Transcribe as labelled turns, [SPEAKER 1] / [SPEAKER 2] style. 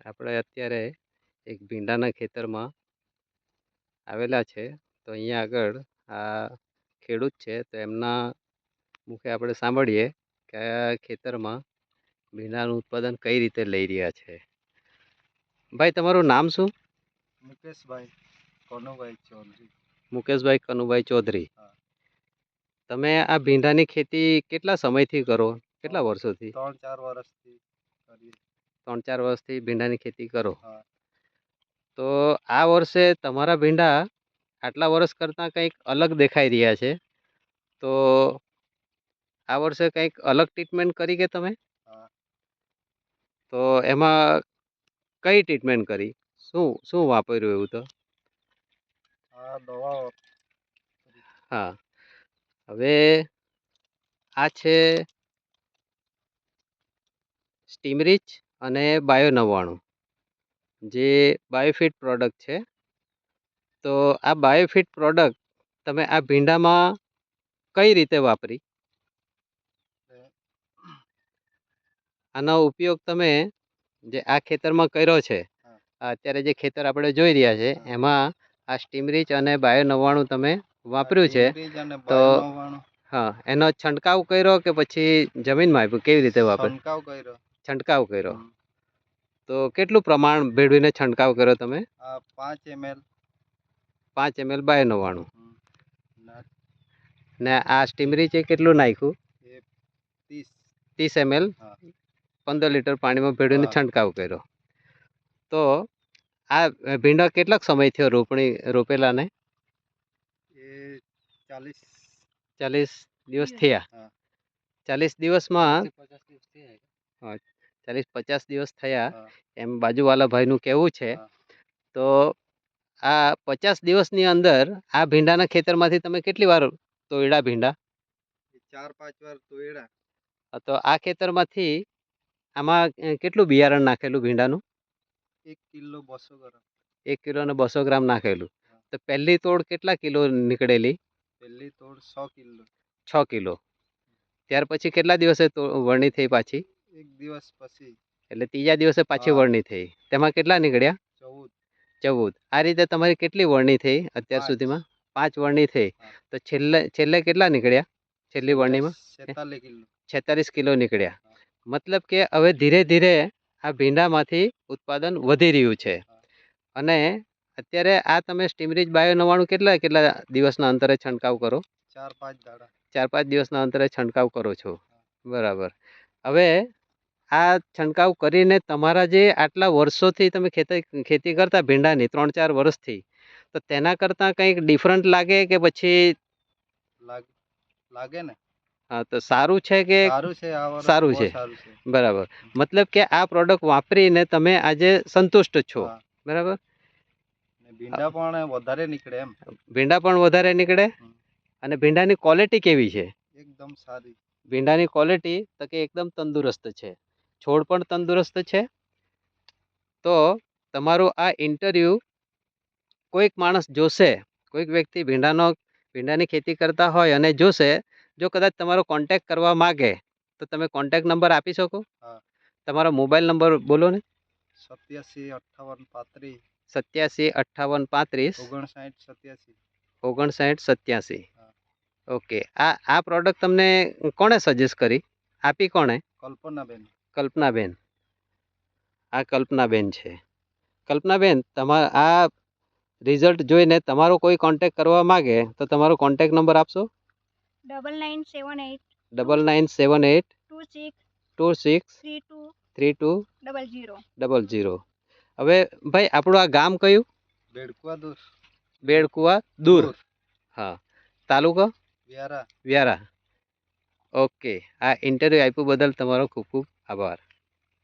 [SPEAKER 1] આપણે અત્યારે એક ભીંડાના ખેતરમાં આવેલા છે. તો અહીંયા આગળ આ ખેડૂત છે, તો એમના મુખે આપણે સાંભળીએ કે આ ખેતરમાં ભીંડાનું ઉત્પાદન કઈ રીતે લઈ રહ્યા છે. ભાઈ, તમારું નામ શું?
[SPEAKER 2] મુકેશભાઈ કનુભાઈ ચૌધરી.
[SPEAKER 1] મુકેશભાઈ કનુભાઈ ચૌધરી.
[SPEAKER 2] હા.
[SPEAKER 1] તમે આ ભીંડાની ખેતી કેટલા સમયથી કરો? કેટલા વર્ષોથી?
[SPEAKER 2] 3-4 વર્ષથી કરીએ.
[SPEAKER 1] 3-4 વર્ષથી ભીંડાની ખેતી કરો.
[SPEAKER 2] હા.
[SPEAKER 1] તો આ વર્ષે તમારા ભીંડા આટલા વર્ષ કરતાં કંઈક અલગ દેખાઈ રહ્યા છે. તો આ વર્ષે કંઈક અલગ ટ્રીટમેન્ટ કરી કે તમે?
[SPEAKER 2] હા.
[SPEAKER 1] તો એમાં કઈ ટ્રીટમેન્ટ કરી? શું શું વાપર્યું એવું તો?
[SPEAKER 2] આ દવાઓ.
[SPEAKER 1] હા. હવે આ છે સ્ટીમરીચ અને બાયો 99 જે બાયોફિટ પ્રોડક્ટ છે. તો આ બાયોફિટ પ્રોડક્ટ તમે આ ભીંડામાં કઈ રીતે વાપરી? આનો ઉપયોગ તમે જે આ ખેતરમાં કર્યો છે, અત્યારે જે ખેતર આપણે જોઈ રહ્યા છે એમાં આ સ્ટીમરીચ અને બાયો 99 તમે વાપર્યું છે. તો હા, એનો છંટકાવ કર્યો કે પછી જમીનમાં આપ્યું? કેવી રીતે વાપર્યું? છંટકાવ કર્યો. તો કેટલું પ્રમાણ ભેળવીને છંટકાવ કર્યો તમે?
[SPEAKER 2] 5 ml.
[SPEAKER 1] 5 ml bio 99. ને આ સ્ટીમરીચ કેટલું નાખ્યું? 30 ml 15 લીટર પાણીમાં ભેળવીને છંટકાવ કર્યો. તો આ ભીંડા કેટલાક સમય થયો રોપેલા ને? 40 દિવસ થયા. 40 દિવસમાં 40-50 દિવસ થયા એમ બાજુવાળા ભાઈનું કહેવું છે. તો આ 50 દિવસની અંદર આ ભીંડાના ખેતરમાંથી તમે કેટલી વાર તોડ્યા ભીંડા?
[SPEAKER 2] 4-5 વાર તોડ્યા.
[SPEAKER 1] તો આ ખેતરમાંથી આમાં કેટલું બિયારણ નાખેલું ભીંડાનું?
[SPEAKER 2] 1 કિલો 200 ગ્રામ.
[SPEAKER 1] 1 કિલો ને 200 ગ્રામ નાખેલું. તો પહેલી તોડ કેટલા કિલો નીકળેલી?
[SPEAKER 2] પહેલી તોડ 6 કિલો.
[SPEAKER 1] 6 કિલો. ત્યાર પછી કેટલા દિવસે વરણી થઈ પાછી?
[SPEAKER 2] 1 દિવસ પછી. એટલે
[SPEAKER 1] ત્રીજા દિવસે પાછી વરણી થઈ. તેમાં કેટલા નીકળ્યા? 14. આ રીતે તમારી કેટલી વરણી થઈ અત્યાર સુધીમાં? 5 વરણી થઈ. તો છેલ્લે કેટલા નીકળ્યા? છેલ્લી વરણીમાં 46 કિલો નીકળ્યા. મતલબ કે હવે ધીરે ધીરે આ ભીંડામાંથી ઉત્પાદન વધી રહ્યું છે. અને અત્યારે આ તમે સ્ટીમરીચ બાયો 99 કેટલા દિવસના અંતરે છંટકાવ કરો?
[SPEAKER 2] 4-5 દાડા.
[SPEAKER 1] 4-5 દિવસના અંતરે છંટકાવ કરો છો. બરાબર. હવે આ છંટકાવ કરીને તમારા જે આટલા વર્ષોથી તમે ખેતી કરતા ભીંડાની 3-4 વર્ષથી, તો તેના કરતાં કંઈક ડિફરન્ટ લાગે કે પછી?
[SPEAKER 2] લાગે ને.
[SPEAKER 1] હા, તો સારું છે કે? સારું છે. બરાબર. મતલબ કે આ પ્રોડક્ટ વાપરીને તમે આજે સંતુષ્ટ છો. બરાબર.
[SPEAKER 2] ભીંડા પણ વધારે નીકળે એમ.
[SPEAKER 1] ભીંડા પણ વધારે નીકળે. અને ભીંડાની ક્વોલિટી કેવી છે?
[SPEAKER 2] એકદમ સારી.
[SPEAKER 1] ભીંડાની ક્વોલિટી તો કે એકદમ તંદુરસ્ત છે. છોડ પણ તંદુરસ્ત છે. તો તમારું આ ઇન્ટરવ્યૂ કોઈક માણસ જોશે, કોઈક વ્યક્તિ ભીંડાની ખેતી કરતા હોય અને જોશે, જો કદાચ તમારો કોન્ટેક્ટ કરવા માગે તો તમે કોન્ટેક્ટ નંબર આપી શકો? તમારો મોબાઈલ નંબર બોલો ને.
[SPEAKER 2] 875835.
[SPEAKER 1] 875835 5987. ઓકે. આ પ્રોડક્ટ તમને કોણે સજેસ્ટ કરી? આપી કોણે? કલ્પનાબેન. આ કલ્પનાબેન છે. કલ્પનાબેન, આ રિઝલ્ટ જોઈને તમારો કોઈ કોન્ટેક્ટ કરવા માગે તો તમારો કોન્ટેક્ટ નંબર આપશો? 9978 26 32 00. હવે ભાઈ, આપણું આ ગામ કયું? બેડકુવા દૂર. હા. તાલુકો? વ્યારા. ઓકે. આ ઇન્ટરવ્યૂ આપ્યું બદલ તમારો ખૂબ ખૂબ આભાર.